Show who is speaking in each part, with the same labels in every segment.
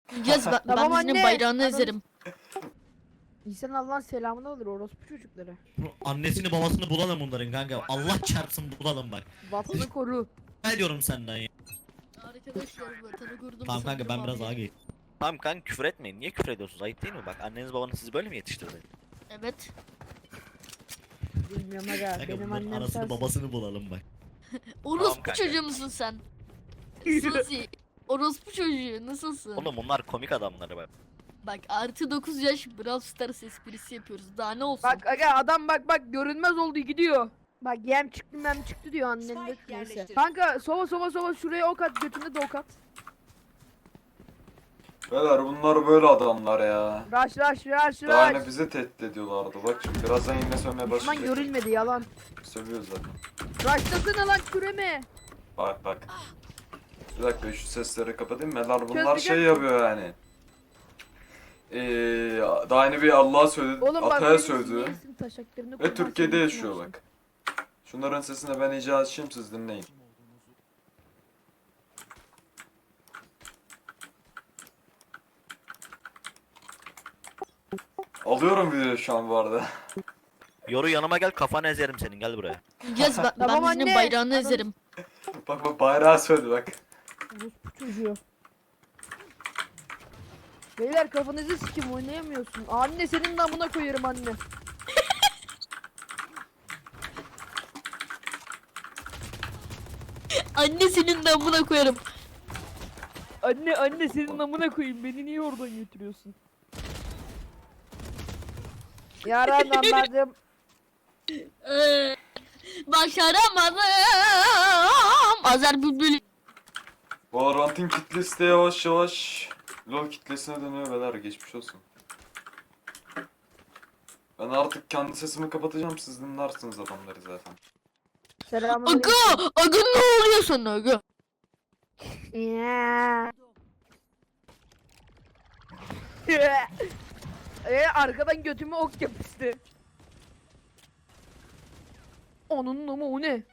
Speaker 1: Yaz ben
Speaker 2: Tamam
Speaker 1: de senin
Speaker 2: anne.
Speaker 1: bayrağını
Speaker 2: Anam-
Speaker 1: ezerim.
Speaker 2: İnsan Allah'ın selamını alır orospu çocukları.
Speaker 3: Annesini babasını bulalım bunların kanka. Allah çarpsın bulalım bak.
Speaker 2: Vatanı koru.
Speaker 3: Ne diyorum senden ya?
Speaker 1: Arkadaşlar vatanı kurdum.
Speaker 3: Tamam kanka ben
Speaker 1: sanırım
Speaker 3: biraz
Speaker 1: abi.
Speaker 3: ağa geçeyim.
Speaker 4: Tamam kanka küfür etmeyin. Niye küfür ediyorsunuz? Ayıp değil mi? Bak anneniz babanız sizi böyle mi yetiştirdi?
Speaker 1: Evet.
Speaker 2: Bilmiyorum aga.
Speaker 3: Kanka
Speaker 2: Benim
Speaker 3: bunların
Speaker 2: annem
Speaker 3: anasını
Speaker 2: sensin.
Speaker 3: babasını bulalım bak.
Speaker 1: Orospu
Speaker 4: kanka.
Speaker 1: çocuğu musun sen? Suzi. Orospu çocuğu nasılsın?
Speaker 4: Oğlum bunlar komik adamları bak.
Speaker 1: Bak artı 9 yaş Brawl Stars esprisi yapıyoruz. Daha ne olsun?
Speaker 2: Bak aga adam bak görünmez oldu gidiyor. Bak yem çıktı diyor annen de.
Speaker 5: Spike
Speaker 2: Neyse.
Speaker 5: yerleştir.
Speaker 2: Kanka sova şuraya ok at götünde de ok at.
Speaker 6: Beyler bunlar böyle adamlar ya.
Speaker 2: Rush.
Speaker 6: Daha yine bizi tehdit ediyorlardı. Bak şimdi birazdan yine sövmeye
Speaker 2: Düşman
Speaker 6: başlayacak.
Speaker 2: görülmedi yalan.
Speaker 6: Sövüyoruz zaten.
Speaker 2: Rush'tasana lan küreme.
Speaker 6: Bak. Bir dakika şu sesleri kapatayım. Beyler bunlar
Speaker 2: Çözeceğim.
Speaker 6: şey yapıyor yani. Daha yeni bir Allah'a söyledi,
Speaker 2: Oğlum bak
Speaker 6: Atay'a
Speaker 2: benim
Speaker 6: söyledi.
Speaker 2: sinirsin taşaklarını
Speaker 6: Ve
Speaker 2: kurban
Speaker 6: Türkiye'de
Speaker 2: senin
Speaker 6: yaşıyor
Speaker 2: için olsun.
Speaker 6: bak. Şunların sesini ben iyice açayım siz dinleyin. Alıyorum videoyu şu an bu arada.
Speaker 4: Yoru yanıma gel kafanı ezerim senin gel buraya.
Speaker 1: Yaz ben
Speaker 2: Tamam
Speaker 1: de senin
Speaker 2: anne.
Speaker 1: bayrağını
Speaker 2: Anam-
Speaker 1: ezerim.
Speaker 6: Bak bayrağı söyledi bak.
Speaker 2: Orospu çocuğu. Beyler kafanızı sikim oynayamıyorsun. Anne senin namına koyarım anne.
Speaker 1: Anne senin de amına koyarım.
Speaker 2: Anne senin namına koyayım. Beni niye oradan götürüyorsun? Yaran anladım.
Speaker 1: Başaramadım. Azer Bülbül.
Speaker 6: Valorant'ın kitlesi de yavaş yavaş LoL kitlesine dönüyor beyler geçmiş olsun. Ben artık kendi sesimi kapatacağım siz dinlersiniz adamları zaten.
Speaker 2: Selamünaleyküm.
Speaker 1: Aga ne oluyor sana aga?
Speaker 2: Ya. Arkadan götüme ok yapıştı. Onun ama o ne?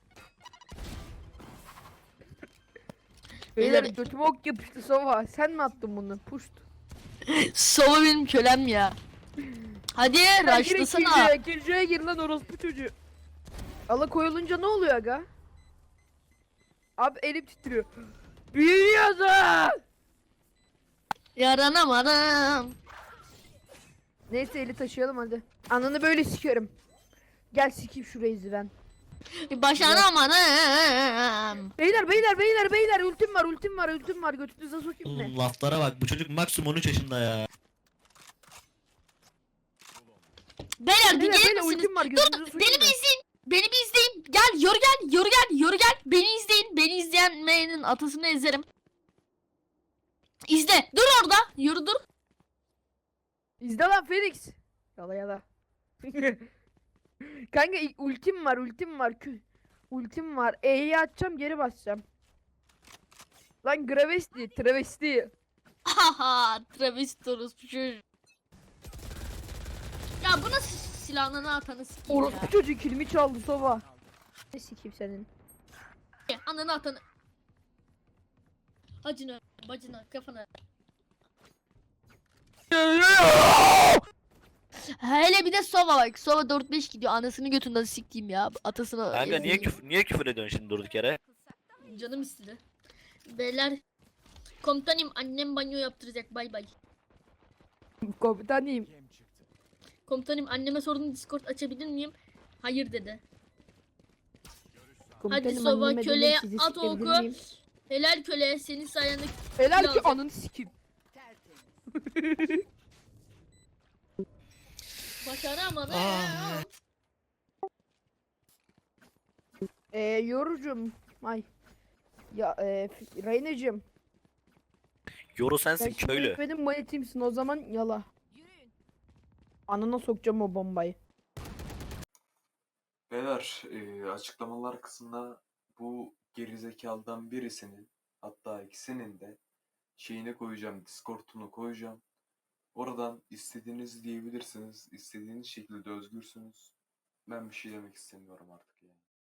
Speaker 2: Beyler
Speaker 1: Beyler-
Speaker 2: götüme ok yapıştı Sova. Sen mi attın bunu? Puşt.
Speaker 1: Sova benim kölem ya. Hadi raşlasana.
Speaker 2: Killjoy'a gir lan orospu çocuğu. Ala koyulunca ne oluyor aga? Abi elim titriyor. Büyüyorsun.
Speaker 1: Yaranamadım.
Speaker 2: Neyse eli taşıyalım hadi. Ananı böyle sikiyorum. Gel sikeyim şurayı ben.
Speaker 1: Başaramadım.
Speaker 2: Beyler ultim var götünüze sokayım ne?
Speaker 3: Laflara bak bu çocuk maksimum 13 yaşında ya.
Speaker 1: Beyler bir gelir misiniz?
Speaker 2: ultim var
Speaker 1: Dur
Speaker 2: götünüze
Speaker 1: beni
Speaker 2: sokayım
Speaker 1: bir izleyin. Beni bir izleyin. Gel yoru gel. Beni izleyin. Beni izleyenlerin atasını ezerim. İzle. Dur orada. Yoru dur.
Speaker 2: İzle lan Felix. Yala. Kanka ultim var. Ultim var. E'yi atacağım geri basacağım. Lan travesti.
Speaker 1: Haha. Travis Torus bu çocuk. Ya bu nasıl silahını atanı sikeyim ya.
Speaker 2: Orospu çocuğu kilimi çaldı Sova. Ne sikeyim senin?
Speaker 1: Ananı atanı. Acına, bacına, kafana. Hele bir de Sova bak. Sova 4-5 gidiyor. Anasını götünden sikeyim ya. Atasını.
Speaker 4: Kanka niye
Speaker 1: ezeyim.
Speaker 4: niye küfür ediyorsun şimdi durduk yere?
Speaker 1: Canım istedi. Beyler. Komutanım annem banyo yaptıracak. Bay bay.
Speaker 2: Komutanıyım.
Speaker 1: Komutanım anneme sordum Discord açabilir miyim? Hayır dedi.
Speaker 2: Komutanım,
Speaker 1: Sova,
Speaker 2: anneme dedim,
Speaker 1: köleye
Speaker 2: sizi
Speaker 1: at
Speaker 2: sikebilir
Speaker 1: oku.
Speaker 2: miyim?
Speaker 1: Helal köle senin sayende
Speaker 2: Helal ki
Speaker 1: Lazım.
Speaker 2: ananı sikeyim.
Speaker 1: başaramadım.
Speaker 2: Yorucum. Ay. Ya Reyna'cım.
Speaker 4: Yoru
Speaker 2: Sen
Speaker 4: sensin
Speaker 2: şimdi
Speaker 4: köylü.
Speaker 2: benim manitimsin o zaman yala. Anana sokacağım o bombayı.
Speaker 6: Beyler açıklamalar kısmına bu gerizekalıdan birisinin hatta ikisinin de şeyini koyacağım, Discord'unu koyacağım. Oradan istediğinizi diyebilirsiniz. İstediğiniz şekilde özgürsünüz. Ben bir şey demek istemiyorum artık.